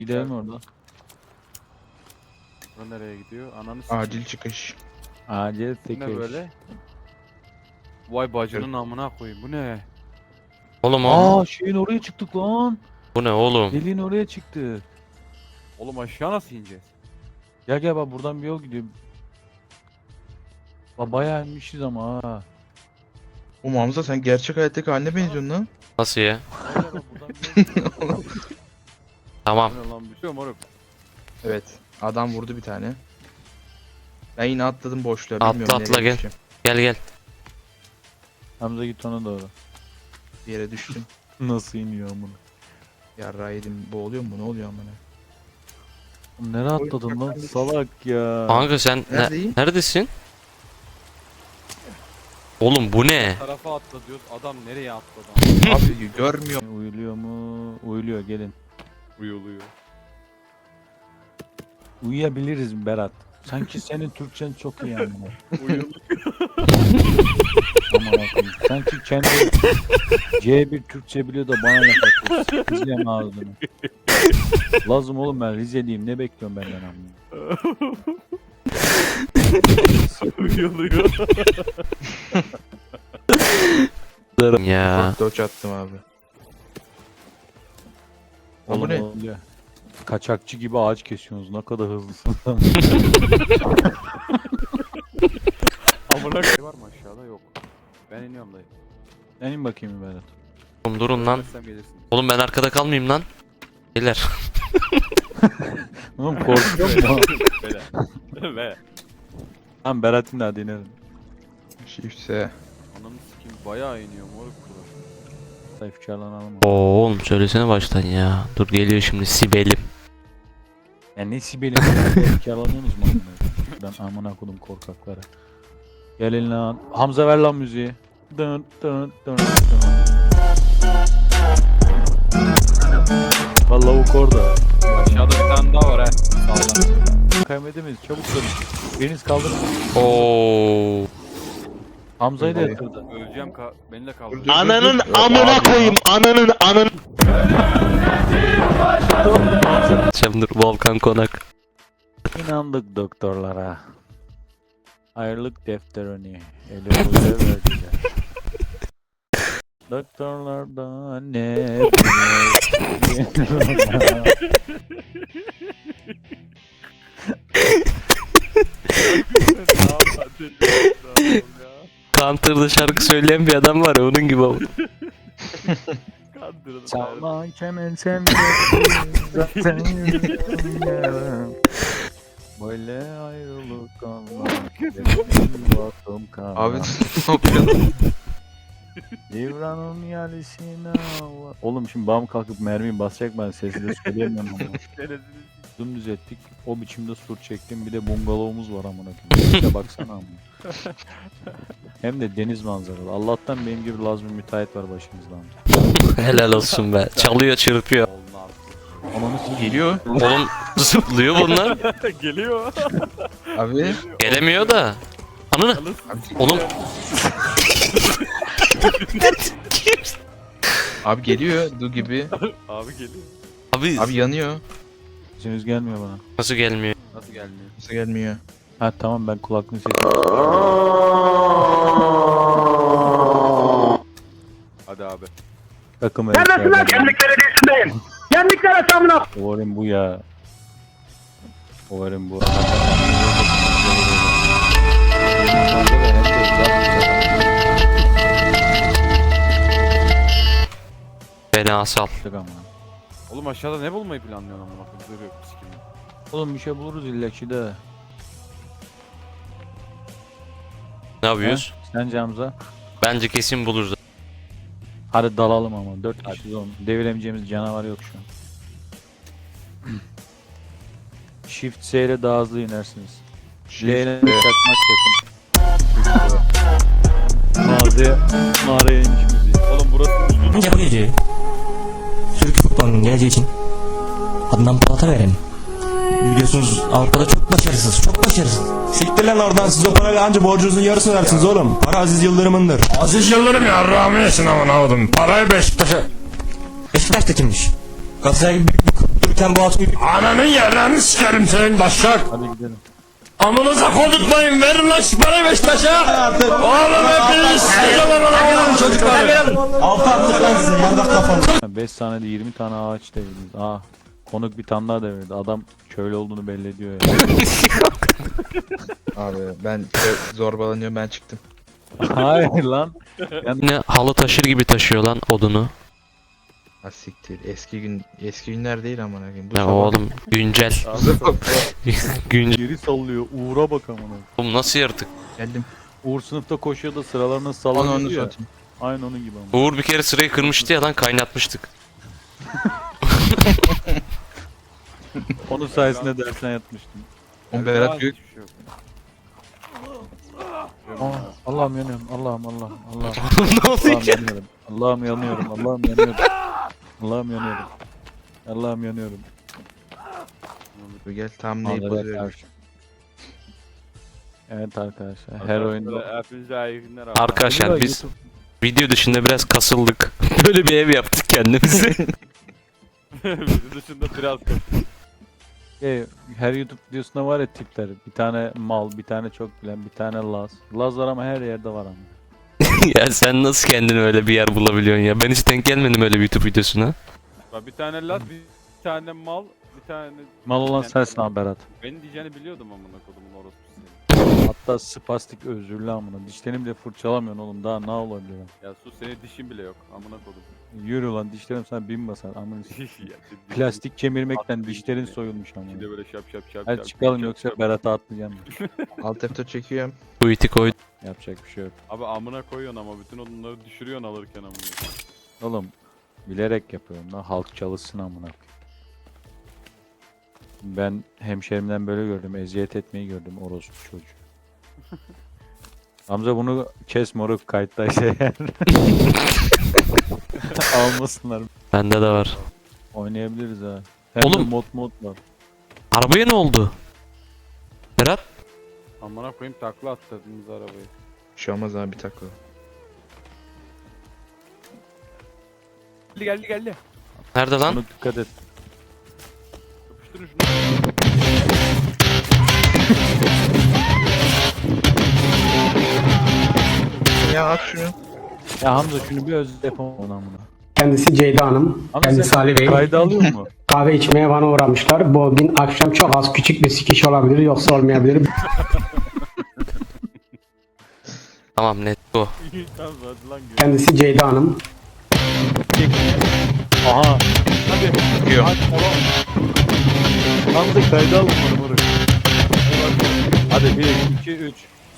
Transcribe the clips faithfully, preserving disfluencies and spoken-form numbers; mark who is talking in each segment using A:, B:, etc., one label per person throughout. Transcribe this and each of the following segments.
A: Gidelim orada.
B: Bu nereye gidiyor? Ananı sikeyim.
C: Acil çıkış.
A: Acil
B: Bu
A: sekiz.
B: ne böyle? Vay bacının amına koyayım. Bu ne?
D: Oğlum o.
A: Aa şeyin oraya çıktık lan.
D: Bu ne oğlum?
A: Deliğin oraya çıktı.
B: Oğlum aşağı nasıl ineceğiz?
A: Gel gel bak buradan bir yol gidiyor. Ba bayağı inmişiz ama ha.
C: O Hamza sen gerçek hayattaki haline benziyorsun lan.
D: Nasıl ya?
A: Gel gel bak buradan bir yol gidiyor.
D: Tamam.
B: Bu ne lan bir şey moruk.
C: Evet. Adam vurdu bir tane. Ben yine atladım boşluğa.
D: Atla,
C: Bilmiyorum
D: atla,
C: nereye
D: gel.
C: düşeceğim.
D: Gel gel.
A: Hamza git ona doğru.
C: Bir yere düştüm.
A: Nasıl iniyor bunu?
C: Yarrağı yedim. Boğuluyor mu? Ne oluyor amına?
A: Nereye atladın lan salak ya.
D: Kanka sen ne-
C: Neredeyim?
D: neredesin? Oğlum bu ne?
B: Tarafa atla diyoruz. Adam nereye atladı?
C: Abi görmüyor.
A: Uyuluyor mu? Uyuluyor gelin.
B: Uyuluyor.
A: Uyuyabiliriz Berat. Sanki senin Türkçen çok iyi yani.
B: Uyuluyor.
A: Aman Allah'ım. Sanki kendi C bir Türkçe biliyor da bana laf atıyor. Sikeceğim ağzını. Lazım oğlum ben Rizeliyim. Ne bekliyorsun benden amına?
B: Uyuluyor.
D: Ya.
C: Dodge attım abi. Lan bu
A: Oğlum
C: ne?
A: oluyor. Kaçakçı gibi ağaç kesiyorsunuz. Ne kadar hızlısın.
B: Amına koyayım var mı aşağıda? Yok. Ben iniyorum dayı.
A: Ben in bakayım Berat.
D: Oğlum durun lan.
B: Gelmezsem gelirsin.
D: Oğlum ben arkada kalmayayım lan. Beyler.
A: Oğlum korkuyor mu?
B: Böyle. Ve.
A: Tamam Berat'ın da hadi inelim.
C: Shift'e.
B: Ananı sikeyim bayağı iniyor moruk kulağı.
A: Sayfçalanalım.
D: Oo oğlum söylesene baştan ya. Dur geliyor şimdi Sibel'im.
A: Ya ne sibelim? Sayfçalanıyorsunuz mu? amına? Ben amına kodum korkaklara. Gelin lan. Hamza ver lan müziği. Dın dın dın dın. Vallahi lavuk orada.
B: Aşağıda bir tane daha var ha. Sağdan.
A: Kaybedemeyiz. Çabuk dönün. Biriniz kaldırın.
D: Oo.
A: Hamza'yı da
C: Vallahi.
A: yatırdı.
B: Öleceğim ka beni de kaldır.
C: Dur, dur,
D: Ananın
C: dur, dur.
D: amına
C: Abi,
D: koyayım. Ananın ananın. Çamdır Volkan Konak.
A: İnandık doktorlara. Ayrılık defterini elimize verdiler. Doktorlardan ne
D: Counter'da şarkı söyleyen bir adam var ya onun gibi oldu.
B: Kandırdım.
A: Çalma kemen sen zaten yürüyorum. Böyle ayrılık olmaz. Baktım kana.
C: Abi ne yapıyorsun?
A: Divranın yalisine var. Oğlum şimdi bam kalkıp mermiyi basacak ben sesli de söyleyemiyorum ama. Dümdüz ettik. O biçimde sur çektim. Bir de bungalovumuz var amına koyayım. İşte baksana amına. Hem de deniz manzaralı. Allah'tan benim gibi Laz bir müteahhit var başımızda amca.
D: Helal olsun be. Çalıyor çırpıyor.
A: Ananı sikeyim.
C: Geliyor.
D: Oğlum zıplıyor bunlar.
B: Geliyor.
C: Abi.
D: Gelemiyor da. Ananı. Oğlum.
C: Abi geliyor. Du gibi.
B: Abi geliyor.
D: Abi,
C: Abi yanıyor.
A: Sesiniz gelmiyor bana.
D: nasıl gelmiyor?
B: Nasıl gelmiyor?
C: Nasıl gelmiyor?
A: Ha tamam ben kulaklığın sesini.
B: Hadi abi.
A: Takım
E: Neredesin lan? Gemlik Belediyesi'ndeyim. Gemlikler hesabına.
A: Umarım bu ya. Umarım bu.
D: Beni asal.
B: Oğlum aşağıda ne bulmayı planlıyorsun amına koyayım? Zırh yok sikim.
A: Oğlum bir şey buluruz illa ki de.
D: Ne yapıyoruz?
A: Sence Hamza?
D: Bence kesin buluruz.
A: Hadi dalalım ama. Dört kişiyiz oğlum. Deviremeyeceğimiz canavar yok şu an. Shift S ile daha hızlı inersiniz. L ile
C: Shift'e.
A: çakmak yakın. Mağazaya, mağaraya inmiş müziği.
B: Oğlum burası uzun.
F: Bence bu gece Türk futbolunun geleceği için Adnan Polat'a verelim. Biliyorsunuz Avrupa'da çok başarısız, çok başarısız.
G: Siktir lan oradan, siz o parayla anca borcunuzun yarısını versiniz oğlum. Para Aziz Yıldırım'ındır. Aziz Yıldırım ya rahmi yesin aman avudum. Parayı Beşiktaş'a.
F: Beşiktaş da kimmiş? Galatasaray gibi büyük bir kulüptür Sen bu hatun
G: Ananın yerlerini sikerim senin başak.
A: Hadi gidelim.
G: Amınıza kodutmayın verin lan şu parayı Beşiktaş'a. Oğlum hepiniz sikeceğim amına çocuklar.
F: altı attık lan size yardak kafalı.
A: beş saniyede yirmi tane ağaç devirdiniz. Aa, konuk bir tane daha devirdi. Adam köylü olduğunu belli ediyor ya.
C: Abi ben ö- zorbalanıyorum ben çıktım.
A: Hayır lan.
D: Ne halı taşır gibi taşıyor lan odunu.
C: Ha siktir. Eski gün eski günler değil amına koyayım. Bu
D: Ya
C: sabah-
D: oğlum güncel. Güncel.
A: Geri sallıyor. Uğur'a bak amına.
D: Oğlum nasıl yaratık?
C: Geldim.
A: Uğur sınıfta koşuyor da sıralarını
C: Onu onu
A: sallanıyor ya.
C: satayım.
A: Aynı onun gibi ama.
D: Uğur bir kere sırayı kırmıştı ya lan kaynatmıştık.
A: Onun sayesinde dersten yatmıştım.
C: On Berat Gök.
B: Hiçbir şey yok.
A: Aa, Allah'ım yanıyorum. Allah'ım Allah'ım Allah'ım.
D: Ne oldu
A: Allah'ım
D: ki?
A: yanıyorum. Allah'ım yanıyorum. Allah'ım yanıyorum. Allah'ım yanıyorum. Allah'ım yanıyorum.
C: Gel tam neyi
A: Allah'a
C: bozuyorum.
A: karşı. Evet arkadaşlar. Her oyunda.
B: Hepinize iyi günler abi.
D: Arkadaşlar biz video dışında biraz kasıldık. Böyle bir ev yaptık kendimize.
B: Bizim dışında biraz kötü.
A: Şey, her YouTube videosunda var ya tipler. Bir tane mal, bir tane çok bilen, bir tane Laz. Laz var ama her yerde var ama.
D: Ya sen nasıl kendini öyle bir yer bulabiliyorsun ya? Ben hiç denk gelmedim öyle bir YouTube videosuna.
B: Bak bir tane lat, bir tane mal, bir tane...
A: Mal olan
B: bir tane-
A: sensin abi Berat.
B: Benim diyeceğini biliyordum amına kodumun orospu seni.
A: Hatta spastik özürlü amına. Dişlerini bile fırçalamıyorsun oğlum. Daha ne olabilir? lan?
B: Ya sus senin dişin bile yok amına kodum.
A: Yürü lan dişlerim sana bin basar. Amına.
B: Ya, şimdi-
A: Plastik kemirmekten
B: Attı
A: dişlerin
B: işte.
A: soyulmuş
B: Bir de
A: amına.
B: böyle şap şap şap
A: Hadi
B: şap,
A: çıkalım
B: şap,
A: yoksa
B: şap.
A: Berat'a atlayacağım.
C: Alt F dört çekiyorum.
D: Bu iti koy.
A: Yapacak bir şey yok.
B: Abi amına koyuyorsun ama bütün odunları düşürüyorsun alırken amına.
A: Oğlum bilerek yapıyorum lan. Halk çalışsın amına. Ben hemşerimden böyle gördüm. Eziyet etmeyi gördüm orospu çocuğu. Hamza bunu kes moruk kayıtta şey. Almasınlar.
D: Bende de var.
A: Oynayabiliriz ha. Hem
D: Oğlum.
A: de mod mod var.
D: Arabaya ne oldu? Berat?
B: Amına koyayım takla attırdınız arabayı.
C: Bir şey olmaz abi bir takla.
B: Geldi geldi geldi.
D: Nerede lan?
A: Bunu dikkat et.
B: Yapıştırın şunu.
C: Ya at şunu.
A: Ya Hamza şunu bir öz yapamam ona amına.
E: Kendisi Ceyda Hanım,
A: Hamza
E: kendisi
A: sen
E: Ali Bey.
A: kayda alıyor mu?
E: Kahve içmeye bana uğramışlar. Bu gün akşam çok az küçük bir sikiş olabilir yoksa olmayabilir.
D: Tamam net bu.
B: Tamam hadi lan gör.
E: Kendisi Ceyda Hanım.
A: Aha.
C: Çıkıyor.
A: Hamza kayda al bunu moruk. Hadi bir, iki, üç.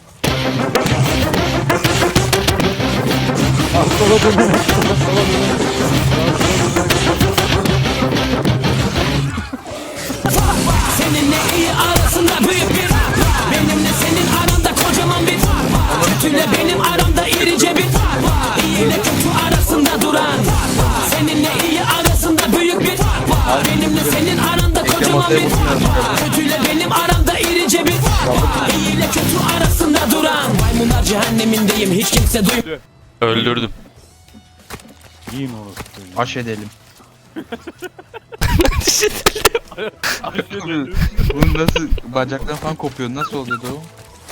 A: Ah sola dön. Sola dön.
H: Seninle iyi arasında büyük bir fark var. Benimle senin aranda kocaman bir fark var. Kötüyle benim aramda irice bir fark var. İyi ile kötü arasında duran fark var. Seninle iyi arasında büyük bir fark var. Benimle senin aranda kocaman bir fark var. Kötüyle benim aramda irice bir fark var. İyi ile kötü arasında duran. Maymunlar cehennemindeyim hiç kimse duymuyor.
D: Öldürdüm.
A: Yiyin orospu çocuğu.
C: Aş edelim. Bunun nasıl bacaktan falan kopuyor? Nasıl oluyordu o?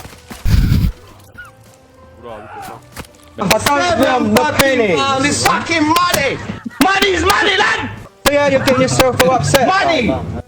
B: Vur abi kapat.
E: Money! Money is money, lad! Yeah, you get yourself upset. Money!